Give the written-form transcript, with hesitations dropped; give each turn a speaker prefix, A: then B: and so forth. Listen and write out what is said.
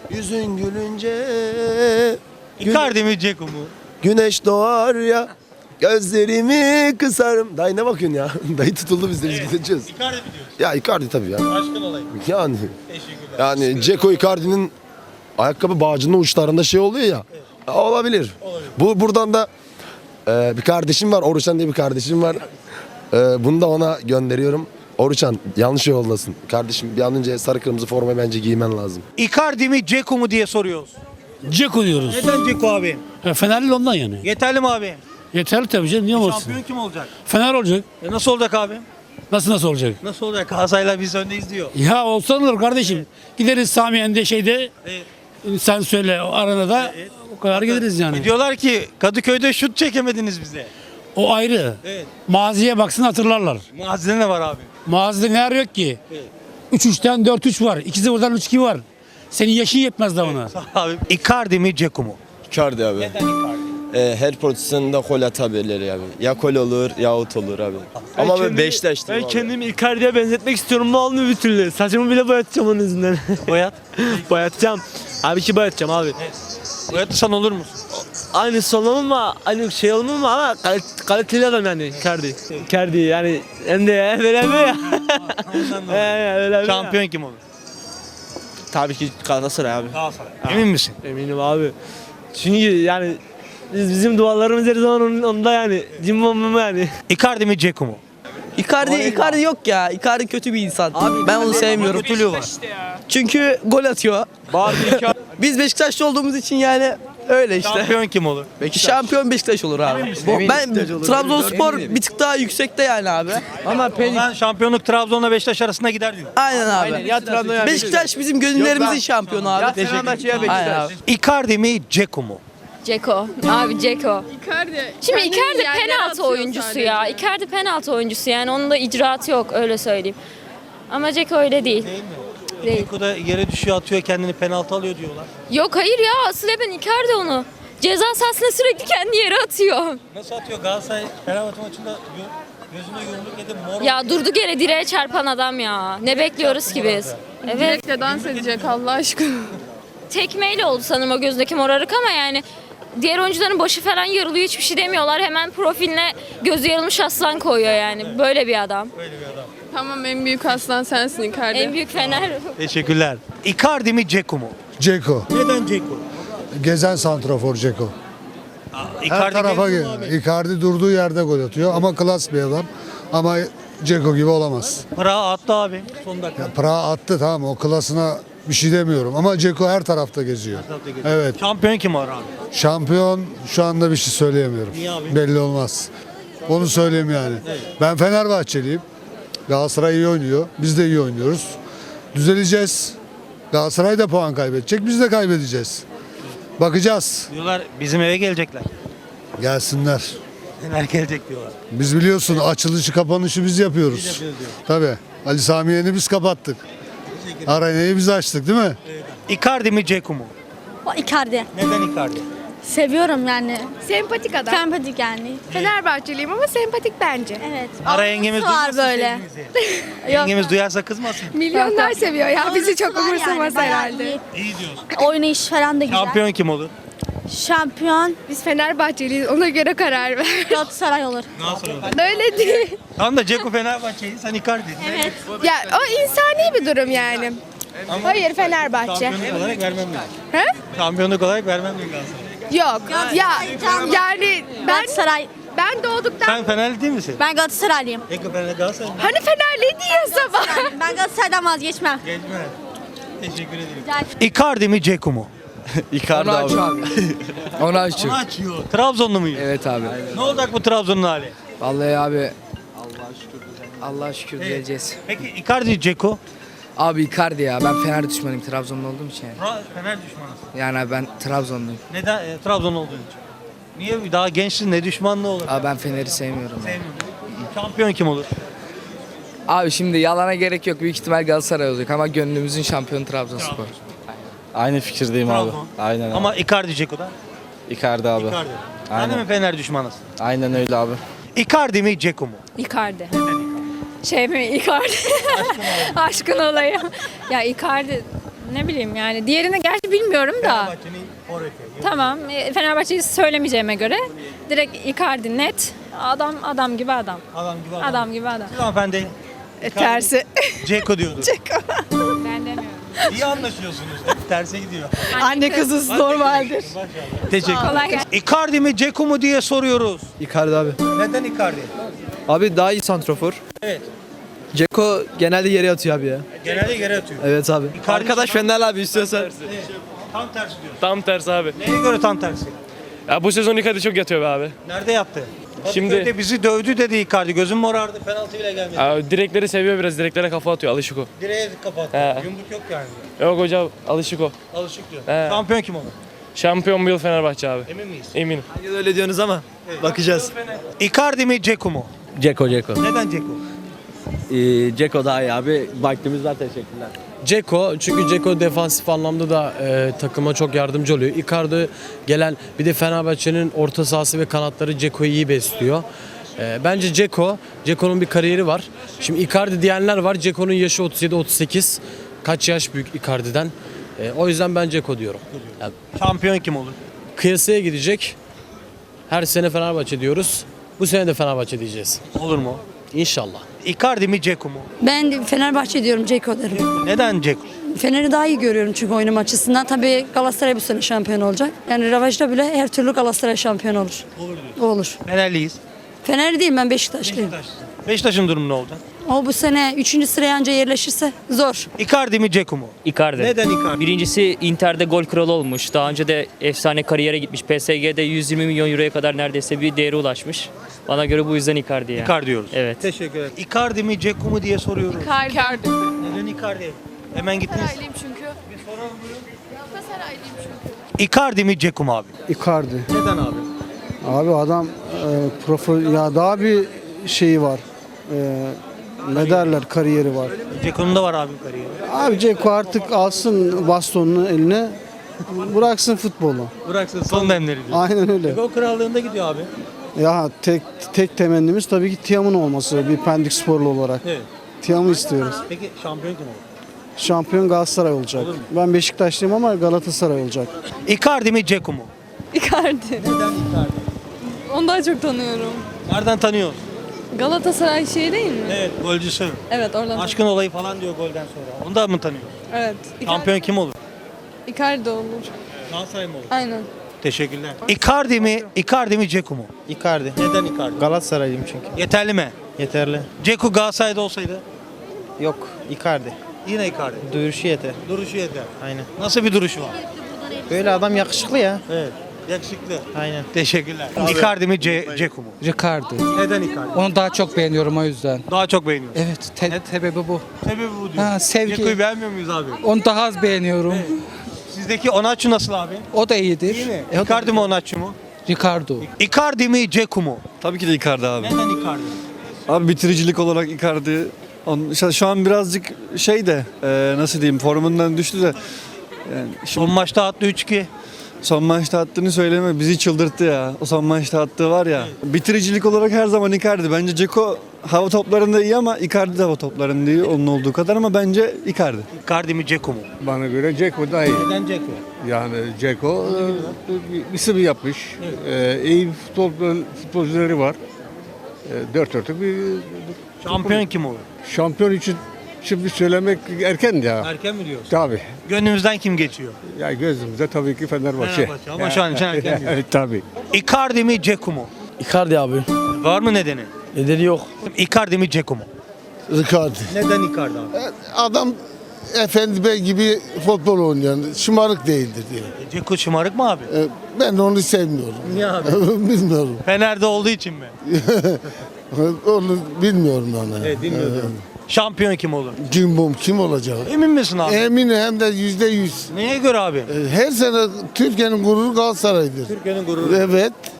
A: Yüzün gülünce
B: Icardi mi Dzeko mu?
A: güneş doğar ya. Gözlerimi kısarım. Dayı ne bakıyorsun ya? Dayı tutuldu bizde biz gideceğiz.
B: Icardi mi diyorsun?
A: Ya Icardi tabii ya.
B: Aşkın olayım.
A: Yani
B: Teşekkürler.
A: yani Dzeko Icardi'nin ayakkabı bağcının uçlarında şey oluyor ya. Olabilir. Buradan da bir kardeşim var. Oruçan diye bir kardeşim var. Bunu da ona gönderiyorum. Oruçan yanlış yoldasın. Kardeşim bir an önce sarı kırmızı formayı bence giymen lazım.
B: Icardi mi Dzeko mu diye soruyoruz.
C: Dzeko diyoruz.
B: Neden Dzeko abi?
C: Fenerli ondan yani.
B: Yeterli mi abi?
C: Yeterli tabii canım, niye olmasın?
B: Şampiyon kim olacak?
C: Fener olacak.
B: Nasıl olacak abi?
C: Nasıl olacak?
B: Nasıl olacak? Galatasaray'la biz öndeyiz diyor.
C: Ya olsa olur kardeşim. Gideriz Samiyen'de şeyde, sen söyle o arenada, o kadar gideriz yani.
B: Diyorlar ki Kadıköy'de şut çekemediniz bize.
C: O ayrı.
B: Evet.
C: Maziye baksın hatırlarlar.
B: Mazide ne var abi?
C: Mazide ne yok ki?
B: Evet.
C: 3-3'ten 4-3 var. 2-0'dan 3-2 var. Senin yaşın yetmez daha ona.
B: Abi Icardi mi Dzeko mu?
D: Icardi abi.
B: Neden Icardi?
D: Her pozisyonda gol atabilir abi. Ya gol olur ya out olur abi. Ama ben Beşiktaş'tım
E: Ben
D: abi.
E: kendimi Icardi'ye benzetmek istiyorum. Ne olmuyor bir türlü. Saçımı bile boyatacağım onun yüzünden.
B: Boyat.
E: boyatacağım. Abi ki boyatacağım abi.
B: Boyatırsan olur musun?
E: Aynı solunum ama aynı şey olmam ama kaliteli adam yani Icardi. Icardi yani hem de böyle mi ya? Öyle mi?
B: Şampiyon kim olur?
E: Tabii ki Galatasaray abi.
B: Galatasaray. Emin misin?
E: Eminim abi. Çünkü yani bizim dualarımız her zaman onda yani. Cimbomum yani.
B: Icardi mi Dzeko mu?
F: Icardi yok ya. Icardi kötü bir insan. Ben onu sevmiyorum.
B: Kötülüğü var.
F: Çünkü gol atıyor. Biz Beşiktaşlı olduğumuz için yani öyle işte.
B: Şampiyon kim olur?
F: Şampiyon Beşiktaş olur abi. Ben Trabzonspor bir tık daha yüksekte yani abi. Ama
B: Ben şampiyonluk Trabzon'la Beşiktaş arasında gider diyor.
F: aynen abi. Beşiktaş bizim gönüllerimizin şampiyonu abi. Aynen abi.
B: Icardi mi Dzeko mu?
G: Ceko. Abi Ceko. Şimdi
H: kendini
G: Icardi
H: yerlere
G: penaltı
H: atıyor
G: oyuncusu
H: sadece.
G: ya. Icardi penaltı oyuncusu yani onun da icraatı yok öyle söyleyeyim. Ama Ceko öyle değil. Değil.
B: Dzeko da yere düşüyor atıyor kendini penaltı alıyor diyorlar.
G: Yok hayır ya asıl ben Icardi onu. Ceza sahasına sürekli kendi yere atıyor.
B: Nasıl atıyor Galatasaray Fenerbahçe maçında gözüne yumruk yedi mor.
G: Ya durduk yere direğe çarpan adam ya. Ne bekliyoruz ki biz? Evet.
H: Direkle dans edecek Allah aşkına.
G: Tekmeyle oldu sanırım o gözündeki morarık ama yani diğer oyuncuların başı falan yarılıyor hiçbir şey demiyorlar. Hemen profiline gözü yarılmış aslan koyuyor yani. Böyle bir adam.
H: Tamam en büyük aslan sensin Icardi.
G: En büyük Fener.
B: Teşekkürler. Icardi mi Dzeko mu?
I: Ceko.
B: Neden Dzeko?
I: Gezen santrafor Ceko. Her tarafa geliyor. Icardi durduğu yerde gol atıyor ama klas bir adam. Ama Ceko gibi olamaz.
B: Para attı abi son dakika.
I: Ya Prag'a attı tamam o klasına bir şey demiyorum ama Ceko her tarafta geziyor. Evet.
B: Şampiyon kim var abi?
I: Şampiyon şu anda bir şey söyleyemiyorum.
B: Niye abi?
I: Belli olmaz. Onu söyleyeyim yani. Ben Fenerbahçeliyim. Galatasaray iyi oynuyor. Biz de iyi oynuyoruz. Düzeleceğiz. Galatasaray da puan kaybedecek. Biz de kaybedeceğiz. Bakacağız.
B: Diyorlar bizim eve gelecekler.
I: Gelsinler.
B: Fener gelecek diyorlar.
I: Biz biliyorsun açılışı kapanışı biz yapıyoruz. Tabii. Ali Sami Yen'i biz kapattık. Arenayı biz açtık değil mi?
B: Icardi mi Dzeko mu?
J: Icardi.
B: Neden Icardi?
J: Seviyorum yani.
H: Sempatik adam.
J: Sempatik yani.
H: Fenerbahçeliyim ama sempatik bence.
J: Evet.
B: Ara yengemiz
J: var
B: duymasın
J: böyle.
B: sevgimizi. Yengemiz duyarsa kızmasın.
H: Milyonlar seviyor ya. Bizi çok
J: Var yani,
H: umursamaz
J: bayağı
H: herhalde.
J: iyi.
B: İyi diyorsun.
J: Oynayış falan da güzel.
B: Şampiyon kim olur?
J: Şampiyon
H: Biz Fenerbahçeliyiz ona göre karar ver.
J: Galatasaray olur.
B: Nasıl olur?
H: Öyle değil.
B: Tam da Dzeko Fenerbahçe'yi sen Icardi.
J: Evet.
H: Ya o insani bir durum yani. Hayır Fenerbahçe.
B: Şampiyonluk olarak vermem diyor.
H: He?
B: Şampiyonluk olarak vermem diyor Galatasaray.
H: Yok. Ya yani
J: Galatasaray.
H: ben doğduktan
B: Sen Fenerli değil misin?
J: Ben Galatasaraylıyım.
B: Dzeko Fener Galatasaray mı?
H: hani Fenerliydi ya sabah.
J: Ben Galatasaray'dan vazgeçmem.
B: Geçme. Teşekkür ederim. Icardi mi Dzeko mu?
D: Icardi abi.
F: Onu açıyor.
B: Onu açıyor. Trabzonlu muyuz?
F: Evet abi.
B: Ne olacak bu Trabzon'un hali?
F: Vallahi abi Allah'a şükür diyeceğiz.
B: Peki Icardi Dzeko?
F: Abi Icardi ya. Ben Fener düşmanıyım Trabzonlu olduğum için yani.
B: Fener düşmanısın.
F: Yani ben Trabzonluyum.
B: Neden? Trabzon olduğun için. Niye? Daha gençsin ne düşmanlığı olur?
F: Abi ben Fener'i sevmiyorum. Yani.
B: Şampiyon kim olur?
F: Abi şimdi yalana gerek yok. Büyük ihtimal Galatasaray olacak ama gönlümüzün şampiyonu Trabzonspor.
D: Aynı fikirdeyim
B: Trabzon.
D: abi. Aynen abi.
B: Ama Icardi Dzeko'da.
D: Icardi abi.
B: Icardi. Sen
D: Aynen.
B: de mi Fener düşmanısın?
D: Aynen öyle abi.
B: Icardi mi Dzeko mu?
G: Icardi. Şey mi Icardi? Aşkın olayım. Ya Icardi
H: Ne bileyim yani. Diğerini gerçi bilmiyorum da.
B: Fenerbahçe'nin forveti.
H: Tamam. Fenerbahçe'yi söylemeyeceğime göre direkt Icardi net. Adam gibi adam.
B: Adam gibi adam.
H: Adam gibi adam.
B: Siz hanımefendi
H: Tersi.
B: Ceko diyordu.
H: Ben demiyorum.
B: İyi anlaşıyorsunuz. Hep terse gidiyor.
H: Anne kızız normaldir.
B: Teşekkür
H: Kolay
B: ederim.
H: gelsin.
B: Icardi mi Ceko mu diye soruyoruz.
E: Icardi abi.
B: Neden Icardi?
E: Abi daha iyi santrofor.
B: Evet.
E: Ceko genelde yere atıyor abi ya.
B: Genelde yere atıyor.
E: Evet abi.
B: Icardi-
E: Arkadaş Fener abi istiyorsan.
B: Tam tersi diyor.
K: Tam tersi abi.
B: Neye göre tam tersi?
K: Ya bu sezon Icardi çok yatıyor be abi.
B: Nerede yattı?
K: Şimdi-
B: Kadıköy'de bizi dövdü dedi Icardi. Gözüm morardı. Penaltı bile gelmedi.
K: Abi direkleri seviyor biraz. Direklere kafa atıyor. Alışık o.
B: Direğe kapattı.
K: He.
B: Yumruk yok yani.
K: Yok hocam alışık o.
B: Alışık diyor.
K: He.
B: Şampiyon kim olur?
K: Şampiyon bu yıl Fenerbahçe abi.
B: Emin miyiz?
K: Eminim.
E: Öyle diyorsunuz ama bakacağız.
B: Icardi mi Ceko mu?
L: Ceko.
B: Neden Ceko?
L: Ceko daha iyi abi. Vaktimiz var, teşekkürler.
M: Ceko, çünkü Ceko defansif anlamda da takıma çok yardımcı oluyor. Icardi gelen, bir de Fenerbahçe'nin orta sahası ve kanatları Ceko'yu iyi besliyor. Bence Ceko'nun bir kariyeri var. Şimdi Icardi diyenler var. Ceko'nun yaşı 37-38. Kaç yaş büyük Icardi'den. O yüzden ben Ceko diyorum. Yani
B: Şampiyon kim olur?
M: kıyasaya gidecek. Her sene Fenerbahçe diyoruz. Bu sene de Fenerbahçe diyeceğiz.
B: Olur mu?
M: İnşallah.
B: Icardi mi Ceko mu?
H: Ben Fenerbahçe diyorum, Ceko derim.
B: Neden Ceko?
H: Fener'i daha iyi görüyorum çünkü oynama açısından. Tabii Galatasaray bu sene şampiyon olacak. Yani rövanşta bile her türlü Galatasaray şampiyon olur.
B: Olur diyor.
H: Olur.
B: Fenerliyiz.
H: Fener değil, ben Beşiktaşlıyım.
B: Beşiktaş'ın durumu ne olacak?
H: O bu sene 3. sıraya anca yerleşirse zor.
B: Icardi mi Ceko mu?
L: Icardi.
B: Neden Icardi?
L: Birincisi Inter'de gol kralı olmuş. Daha önce de efsane kariyere gitmiş. PSG'de 120 milyon euroya kadar neredeyse bir değere ulaşmış. Bana göre bu yüzden Icardi ya.
B: Icardi diyoruz.
L: Evet.
B: Teşekkür ederim. Icardi mi Ceko mu diye soruyoruz.
H: Icardi.
B: Neden Icardi? Hemen gittiniz.
H: çünkü.
B: Bir soralım buyurun.
H: Galatasaraylıyım çünkü.
B: Icardi mi Ceko mu abi?
I: Icardi.
B: Neden abi?
I: Abi adam ya daha bir şeyi var. Ne derler, kariyeri var.
B: Ceko'nun da var abi kariyeri.
I: Abi Ceko artık alsın bastonunu eline, bıraksın futbolu.
B: Bıraksın son demleri diyor.
I: Aynen öyle.
B: Ceko krallığında gidiyor abi.
I: Ya tek temennimiz tabii ki Tiam'ın olması, bir Pendik sporlu olarak.
B: Evet.
I: Tiam'ı istiyoruz.
B: Peki şampiyon kim olur?
I: Şampiyon Galatasaray olacak. Ben Beşiktaşlıyım ama Galatasaray olacak.
B: Icardi mi Ceko mu?
H: Icardi.
B: Neden Icardi?
H: Onu daha çok tanıyorum.
B: Nereden tanıyorsun?
H: Galatasaray şey değil mi?
B: Evet, golcüsü.
H: Evet, oradan.
B: Aşkın olayı falan diyor golden sonra. Onu da mı tanıyorsun?
H: Evet.
B: Şampiyon kim olur?
H: Icardi olur.
B: Galatasaray mı olur?
H: Aynen.
B: Teşekkürler. Icardi mi Ceko mu?
E: Icardi.
B: Neden Icardi?
E: Galatasaraylıyım çünkü.
B: Yeterli mi?
E: Yeterli.
B: Ceko Galatasaray'da olsaydı
E: Yok Icardi.
B: yine Icardi.
E: Duyuruşu yeter.
B: Duruşu yeter.
E: Aynen.
B: Nasıl bir duruşu var?
E: Böyle adam yakışıklı ya.
B: Evet. Yakışıklı.
E: Aynen.
B: Teşekkürler. Icardi mi Ceko mu?
C: Icardi.
B: Neden Icardi?
C: Onu daha çok beğeniyorum o yüzden.
B: Daha çok beğeniyorsun.
C: Evet, sebebi bu.
B: Sebebi bu diyor.
C: Ha, sevgi.
B: Ceko'yu beğenmiyor muyuz abi?
C: Onu daha az beğeniyorum.
B: Sizdeki Onaçu nasıl abi?
C: O da iyidir.
B: İyi mi? Icardi mi Onaçu mu?
C: Ricardo.
B: Icardi mi Ceko mu?
K: Tabii ki de Icardi abi.
B: Neden Icardi?
K: Abi bitiricilik olarak Icardi. Şu an birazcık nasıl diyeyim, formundan düştü de. Yani
B: Son maçta attı 3-2.
K: son maçta attığını söyleme, bizi çıldırttı ya. O son maçta attığı var ya. Bitiricilik olarak her zaman Icardi. Bence Ceko hava toplarında iyi ama Icardi de hava toplarında iyi onun olduğu kadar, ama bence Icardi.
B: Icardi mi Ceko mu?
I: Bana göre Ceko daha iyi.
B: Neden Ceko?
I: Yani Ceko isim yapmış. İyi futbolcuları var. Dört dörtlük bir
B: Şampiyon kim olur?
I: şampiyon için şimdi söylemek erken ya.
B: Erken mi diyorsun?
I: Tabii.
B: Gönlümüzden kim geçiyor?
I: Ya gözümüzde tabii ki Fenerbahçe.
B: Fenerbahçe ama şu an için erken diyorsun.
I: Evet tabii.
B: Icardi mi Ceko mu?
M: Icardi abi.
B: Var mı nedeni?
M: Nedeni yok.
B: Icardi mi Ceko mu?
A: Icardi.
B: Neden Icardi abi?
A: Adam Efendi Bey gibi futbol oynayan, şımarık değildir diye.
B: Ceko şımarık mı abi?
A: Ben onu sevmiyorum.
B: Niye abi?
A: Bilmiyorum.
B: Fener'de olduğu için mi?
A: Onu bilmiyorum onu.
B: Evet, bilmiyorum. Şampiyon kim olur?
A: Kim olacak?
B: Emin misin abi?
A: Eminim, hem de %100.
B: Neye göre abi?
A: Her sene Türkiye'nin gururu Galatasaray'dır.
B: Türkiye'nin gururu.
A: Evet.